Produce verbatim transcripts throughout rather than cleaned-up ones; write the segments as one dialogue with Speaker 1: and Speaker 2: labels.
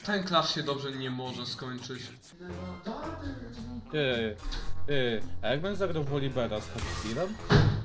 Speaker 1: Ten clash się dobrze nie może skończyć.
Speaker 2: Ty, ty, a jak będę zagrał w Olibera z Hardstylem?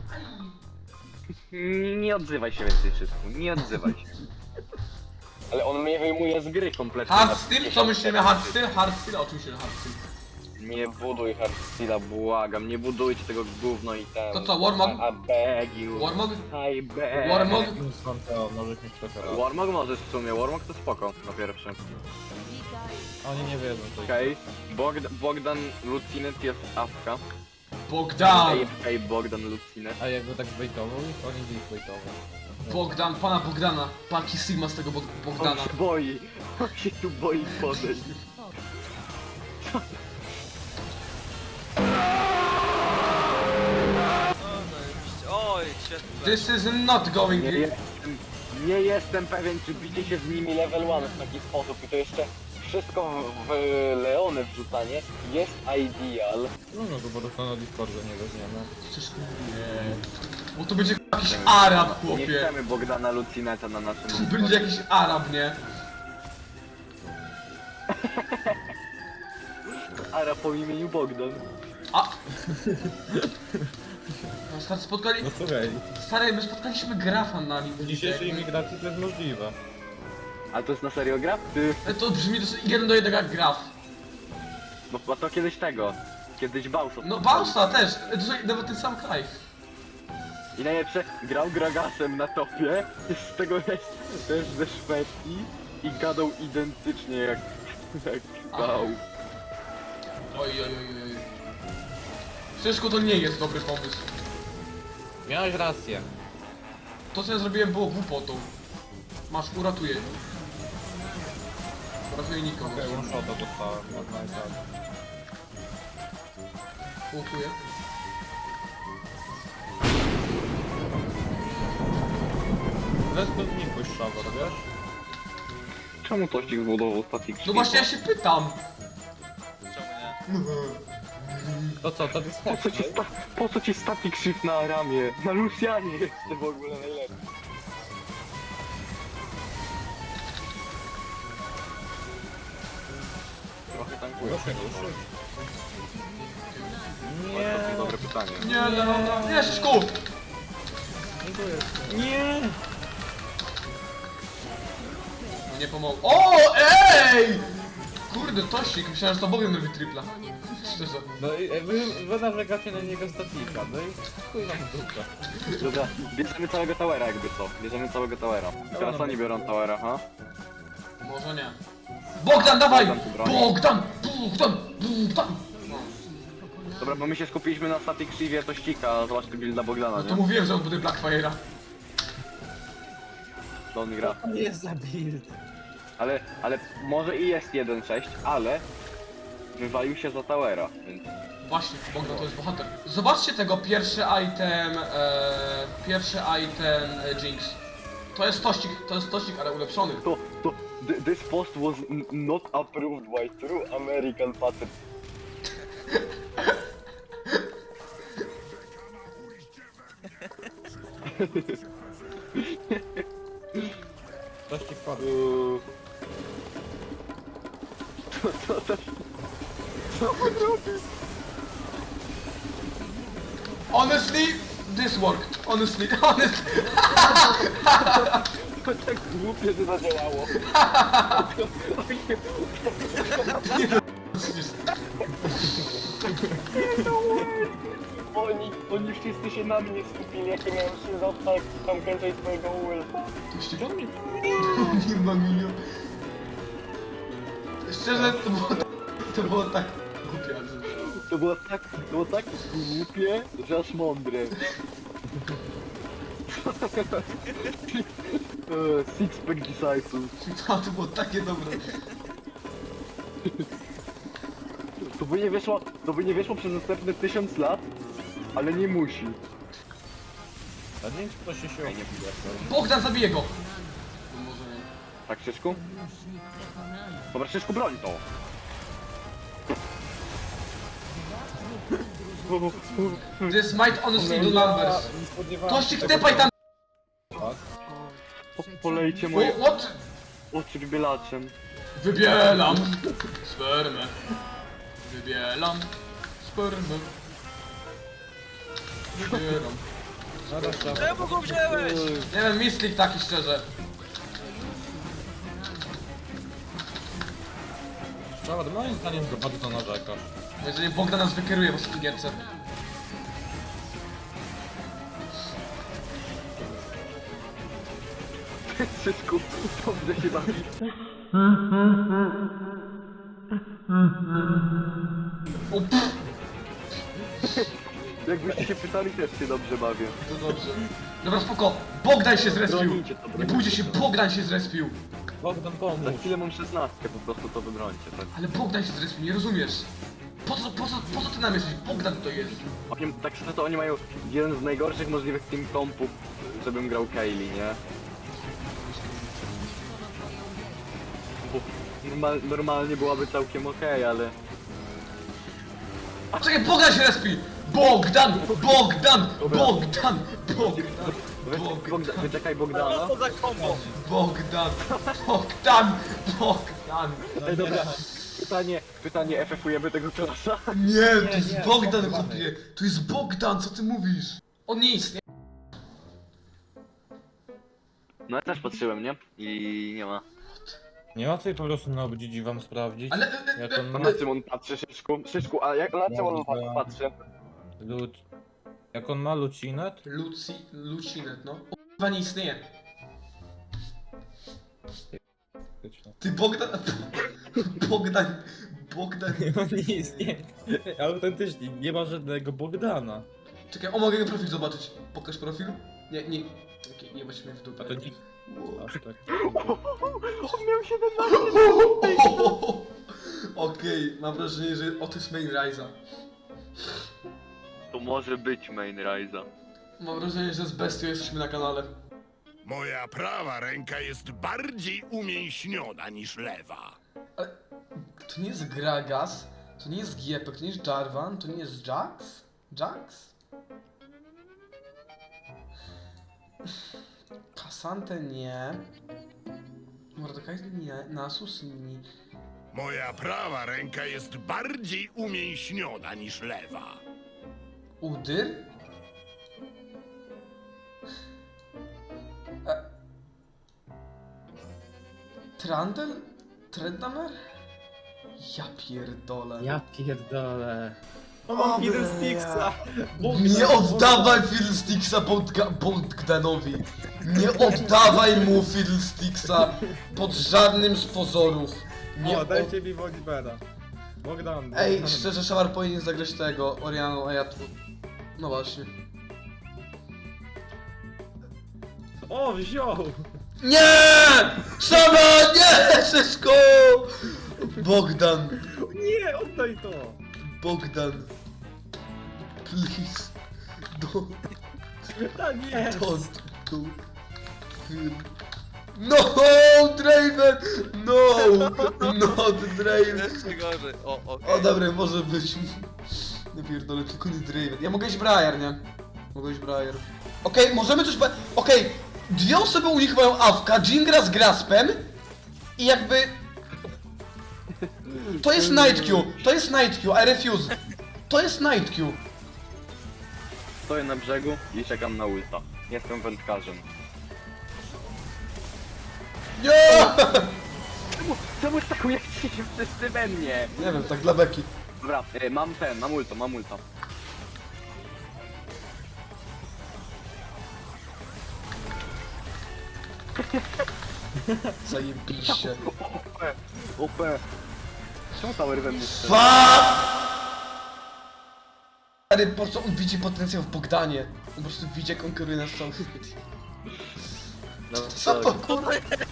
Speaker 3: Nie, nie odzywaj się więcej wszystko, nie odzywaj się. Ale on mnie wyjmuje z gry kompletnie.
Speaker 1: Hardstyle? Co myślimy? Hardstyle? Hardstyle? Oczywiście, że hardstyle.
Speaker 3: Nie buduj Hardstyla, błagam, nie budujcie tego gówno i tam.
Speaker 1: To co, Warmog?
Speaker 3: I, I beg you.
Speaker 1: Warmog?
Speaker 3: I beg.
Speaker 1: Warmog?
Speaker 2: Skąd to możesz mieć trochę raz.
Speaker 3: Warmog możesz w sumie, Warmog to spoko na pierwszym.
Speaker 2: Oni nie wiedzą co
Speaker 3: Okej, Bogd Bogdan Lucinet jest awka.
Speaker 1: Bogdan!
Speaker 3: Ej, ej, Bogdan Lucinet.
Speaker 2: A jakby tak bejtował ich, oni by ich bejtował.
Speaker 1: Bogdan, pana Bogdana. Paki Sigma z tego Bog
Speaker 3: On
Speaker 1: Bogdana.
Speaker 3: się boi, on się tu boi podejść.
Speaker 4: Oj, świetnie.
Speaker 1: This is not going
Speaker 3: Nie
Speaker 1: in.
Speaker 3: jestem, nie jestem pewien, czy bicie się z nimi level one w taki sposób i to jeszcze wszystko w, w Leony wrzucanie jest ideal.
Speaker 2: No no to po prostu na Discordzie nie weźmiemy.
Speaker 1: Przecież nie. Bo to będzie jakiś Arab,
Speaker 3: Nie
Speaker 1: chłopie.
Speaker 3: chcemy Bogdana Lucineta na naszym
Speaker 1: To będzie jakiś Arab, nie?
Speaker 3: Ara po imieniu Bogdan.
Speaker 1: A! No, stary, spotkali...
Speaker 2: No słuchaj,
Speaker 1: Stary, my spotkaliśmy grafa na nim.
Speaker 2: w dzisiejszej imigracji to jest możliwe.
Speaker 3: Ale to jest na serio gra? Ty,
Speaker 1: To brzmi dosłownie jeden do jednego jak graf.
Speaker 3: bo, bo to kiedyś tego. Kiedyś Bausa.
Speaker 1: No Bausa też, dosłownie nawet ten sam kraj.
Speaker 3: I najlepsze, grał Gragasem na topie, z tego jest też ze Szwecji i gadał identycznie jak, jak Bał.
Speaker 1: Oj, oj, oj, oj. Wszystko to nie jest dobry pomysł.
Speaker 2: Miałeś rację.
Speaker 1: To co ja zrobiłem było głupotą. Masz, uratuję. Uratuję nikogo.
Speaker 2: Okej, one shota dostałem, można i tak.
Speaker 1: Łukuję.
Speaker 2: Bez to znikłeś Szawor, wiesz?
Speaker 3: Czemu Tościk zbudował statik?
Speaker 1: No właśnie ja się pytam.
Speaker 4: Czemu nie?
Speaker 2: To co, to jest
Speaker 3: Po co ci, sta po co ci static shift na ramię? Na Lucianie jeszcze w ogóle najlepiej. Trochę tankuję.
Speaker 2: Proszę, proszę.
Speaker 3: To jest dobre pytanie.
Speaker 1: Nie, no, no, nie, Szyszku!
Speaker 2: Nie!
Speaker 1: No nie pomogło. O, ej! Kurde, Tościk, myślałem, że to Bogiem robi tripla. Szczerze.
Speaker 2: No i e, wy, wy narzekacie na niego statika, no i chuj wam w dupę.
Speaker 3: Dobra, bierzemy całego towera jakby co. Bierzemy całego towera. Teraz oni biorą towera, ha?
Speaker 1: Może nie. Bogdan, dawaj!
Speaker 3: Bogdan tu broni.
Speaker 1: Bogdan! Bogdan! Bogdan! No.
Speaker 3: Dobra, bo my się skupiliśmy na static shiftie Tościka, a zobacz tu builda Bogdana,
Speaker 1: No to
Speaker 3: nie?
Speaker 1: mówiłem, że on bude Blackfire'a.
Speaker 3: To on gra.
Speaker 2: To nie jest za build.
Speaker 3: Ale, ale może i jest jeden sześć, ale wywalił się za towera, więc...
Speaker 1: Właśnie, Bogdan to jest bohater. Zobaczcie tego pierwszy item, e, pierwszy item e, Jinx. To jest tościk, to jest tościk, ale ulepszony.
Speaker 3: To, to, th- this post was n- not approved by true American patriot.
Speaker 2: Coś ci wpadł.
Speaker 3: Uuu. Co, co, co, co on robi?
Speaker 1: Honestly, this worked. Honestly, honestly.
Speaker 3: To tak głupie, że zadziałało. Oni, oni wszyscy się na mnie skupili, jak ja miałem się zostać tam kręcać swojego ulta.
Speaker 1: Tościk? Nie ma milion. Szczerze, to było tak, to było tak głupie, ale...
Speaker 3: To było tak, to było tak głupie, że aż mądre. Eee, Six pack decisive.
Speaker 1: To, to było takie dobre.
Speaker 3: To by nie wyszło, to by nie wyszło przez następne tysiąc lat, ale nie musi.
Speaker 2: A nie wiem, czy ktoś się się nie
Speaker 1: Bogdan, zabije go! No może nie.
Speaker 3: Tak, Szyszku? Dobra, Szyszku, broń to!
Speaker 1: This might honestly do numbers.
Speaker 2: Nie spodziewałem
Speaker 1: Tościk,
Speaker 2: się
Speaker 1: tepaj tam!
Speaker 3: Po, polejcie moje
Speaker 1: What?
Speaker 3: oczy bielaczem.
Speaker 1: Wybielam spermę. Wybielam spermę. Wybieram.
Speaker 2: Zaraz tam.
Speaker 4: Czemu go wziąłeś?
Speaker 1: Nie wiem, Mistlik taki szczerze.
Speaker 2: Czawad, moim zdaniem za bardzo narzekasz.
Speaker 1: Jeżeli Bogdan nas wykieruje w ostatniej gierce.
Speaker 3: Wszystko dobrze się bawi.
Speaker 1: O, pff,
Speaker 3: Jakbyście się pytali, też się dobrze bawię.
Speaker 1: to dobrze. Dobra, spoko. Bogdan się zrespił.
Speaker 3: Bronicie to,
Speaker 1: Nie
Speaker 3: bronicie
Speaker 1: pójdzie się,
Speaker 3: to.
Speaker 1: Bogdan się zrespił.
Speaker 2: Bogdan,
Speaker 3: Za
Speaker 2: pomóż.
Speaker 3: chwilę mam szesnastkę, po prostu to wybrońcie, tak?
Speaker 1: Ale Bogdan się zrespił, nie rozumiesz. Po co, po co, po co ty nam jesteś? Bogdan to jest.
Speaker 3: Oni, tak szczerze to oni mają jeden z najgorszych możliwych team kompów, żebym grał Kaylee, nie? Bo normal, normalnie byłaby całkiem okej, ale...
Speaker 1: A czekaj, Bogdan się respi! Bogdan! Bogdan! Bogdan! Bogdan!
Speaker 3: Weź, Bogdan,
Speaker 1: Bogdan!
Speaker 3: wyczekaj
Speaker 4: Co
Speaker 3: Bogdana.
Speaker 4: to za kombo?
Speaker 1: Bogdan! Bogdan! Bogdan!
Speaker 3: Ej, dobra. Pytanie, pytanie, F F ujemy tego klasa?
Speaker 1: Nie, to jest
Speaker 2: nie,
Speaker 1: Bogdan,
Speaker 2: Bogdan.
Speaker 1: chłopie! To jest Bogdan, co ty mówisz? On nie istnieje.
Speaker 3: No ja też patrzyłem, nie? I nie ma.
Speaker 2: Nie łatwiej po prostu na obdzidzi wam sprawdzić.
Speaker 1: Ale... e, e,
Speaker 2: Jak on
Speaker 3: To
Speaker 2: ma
Speaker 3: na czym on patrzy, Szyszku? Szyszku, a jak, na czym on
Speaker 2: Dobra.
Speaker 3: patrzy?
Speaker 2: lud... Jak on ma lucinet?
Speaker 1: Luci... Lucinet, no. O, chyba nie istnieje. Ty Bogdan... Bogdan... Bogdan...
Speaker 2: nie istnieje. Autentycznie, nie ma żadnego Bogdana.
Speaker 1: Czekaj, o, mogę jego profil zobaczyć. Pokaż profil? Nie, nie... Okej, nie weź mnie w dupę.
Speaker 2: A to nie... Aż tak.
Speaker 3: On miał siedemnaście.
Speaker 1: Okej, mam wrażenie, że o to jest main Rise'a.
Speaker 3: To może być main Rise'a.
Speaker 1: Mam wrażenie, że z bestią jesteśmy na kanale.
Speaker 5: Moja prawa ręka jest bardziej umięśniona niż lewa.
Speaker 1: Ale... To nie jest Gragas, to nie jest Giepek, to nie jest Jarvan, to nie jest Jax? Jax? Kasante nie. Mordekaiser nie. Nasus nie.
Speaker 5: Moja prawa ręka jest bardziej umięśniona niż lewa.
Speaker 1: Udyr? E... Trandel? Trendamer? Ja pierdolę.
Speaker 2: Ja pierdolę.
Speaker 1: O,
Speaker 2: Mam
Speaker 1: bля.
Speaker 2: Fiddlesticksa!
Speaker 1: Nie oddawaj Fiddlesticksa Bogda- Bogdanowi! Nie oddawaj mu Fiddlesticksa pod żadnym z pozorów! Nie
Speaker 2: O,
Speaker 1: od...
Speaker 2: dajcie mi Wolibera. Bogdan.
Speaker 1: Ej,
Speaker 2: Bogdan.
Speaker 1: szczerze, Szamar powinien zagrać tego, Orianą, a ja tu... No właśnie.
Speaker 2: O, wziął!
Speaker 1: Nie! Szamar, nie! Wszystko! Bogdan!
Speaker 2: Nie, oddaj to!
Speaker 1: Bogdan! Please! Don't,
Speaker 2: A nie!
Speaker 1: don't do... No, Draven! No! Not Draven!
Speaker 4: Jeszcze gorzej. O, o.
Speaker 1: O, dobra, może być. Nie pierdolę, tylko nie Draven. Ja mogę iść Briar, nie? Mogę iść Briar. Okej, możemy coś... pa- Okej, dwie osoby u nich mają awka, Jingra z Graspem i jakby... To jest Night Q, to jest Night Q, I refuse. To jest Night Q.
Speaker 3: Stoję na brzegu i czekam na ulta. Jestem wędkarzem.
Speaker 1: Nie!
Speaker 3: Czemu, czemu stakujecie się wszyscy we mnie?
Speaker 1: Nie wiem, tak dla beki.
Speaker 3: Dobra, e, mam ten, mam ulto, mam ulto.
Speaker 1: Zajebiście.
Speaker 3: O P, O P. Czemu tower we mnie strzela?
Speaker 1: Fuck! Ale po prostu on widzi potencjał w Bogdanie. On po prostu widzi, jak on kieruje nasz cały świat.
Speaker 3: No,
Speaker 1: Co to kurwa?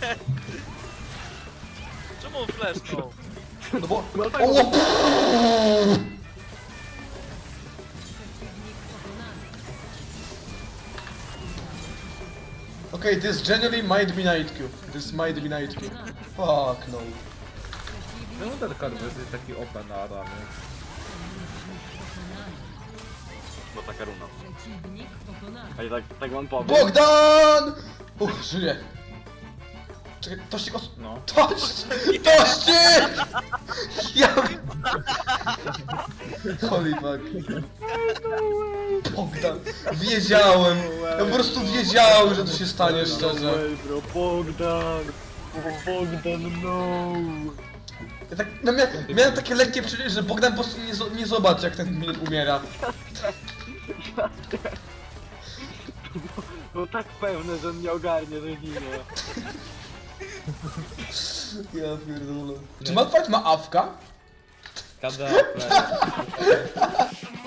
Speaker 4: Czemu on flashnął?
Speaker 1: No bo...
Speaker 3: No tak,
Speaker 1: O! Okay, this genuinely might be Night Q. This might be Night Q. Fuck no.
Speaker 2: Czemu ten Karwes jest taki open na ramię?
Speaker 3: bo taka runa. A i tak, tak wam powiem.
Speaker 1: Bogdan! Uch, żyje. Czekaj, tościk os...
Speaker 2: No.
Speaker 1: Tość! Tościk! Ja... Holy fuck. Bogdan, wiedziałem. Ja po prostu wiedziałem, że to się stanie, szczerze.
Speaker 3: bro, Bogdan! Bogdan, no!
Speaker 1: Ja tak, no mia, miałem takie lekkie przeczucie, że Bogdan po prostu nie, zo- nie zobaczy, jak ten minut umiera.
Speaker 3: Było tak pewne, że on nie ogarnie, że ginie.
Speaker 1: Ja pierdolę. Czy Malfight ma awka?
Speaker 2: Kada,